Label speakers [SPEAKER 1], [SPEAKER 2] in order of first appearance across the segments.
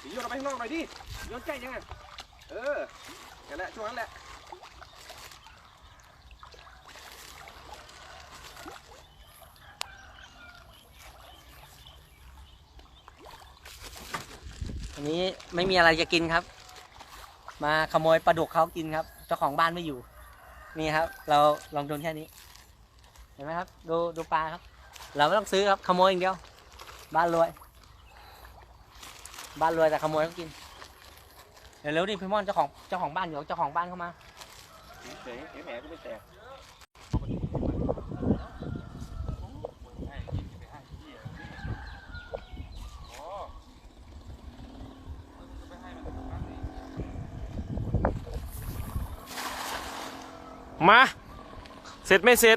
[SPEAKER 1] โยนออกไปข้างนอกหน่อยดิโยนใกล้ยังไงนั่นแหละช่วงนั้นแหละ
[SPEAKER 2] อันนี้ไม่มีอะไรจะกินครับมาขโมยปลาดุกเขากินครับเจ้าของบ้านไม่อยู่นี่ครับเราลองโดนแค่นี้เห็นไหมครับดูปลาครับเราไม่ต้องซื้อครับขโมยอย่างเดียวบ้านรวยแต่ขโมยเขากินเร็วๆดิพี่ม่อนเจ้าของบ้านอยู่เจ้าของบ้านเข้ามา
[SPEAKER 1] เฉยแหมก็ไม่แตกมาเสร็จไม่เสร็จ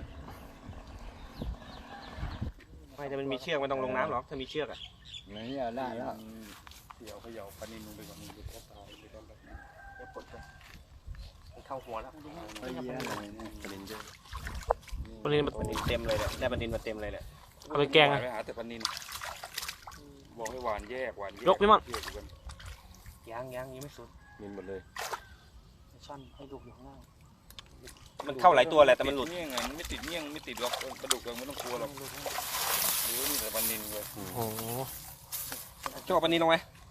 [SPEAKER 1] ไม่แต่มันมีเชือกไม่ต้องลงน้ำหรอกถ้ามีเชือกอ่ะ
[SPEAKER 3] นี่ได้แล้ว
[SPEAKER 1] เขย่าปลานิลลงไปก่อนมันจะตายไปตอนแบบนี้จะปลดไปมันเข้าหัวแล้วปลานิลเยอะปลานิลเต็มเลยแหละได้ปลานิลมาเต็มเลยแหละเอาไปแกงไปหาแต่ปลานิลบอกให้หวานแยกยกพี่มั่งยังไม่สุดนิลหมดเลยช่อนให้ดูอยู่ข้างล่างมันเข้าหลายตัวแหละแต่มันหลุดเงี้ยมันไม่ติดเงี้ยไม่ติดหรอกปลาดุกไม่ต้องกลัวหรอกดูนี่แต่ปลานิลเลยโอ้โหโจ้ปลานิลลงไหม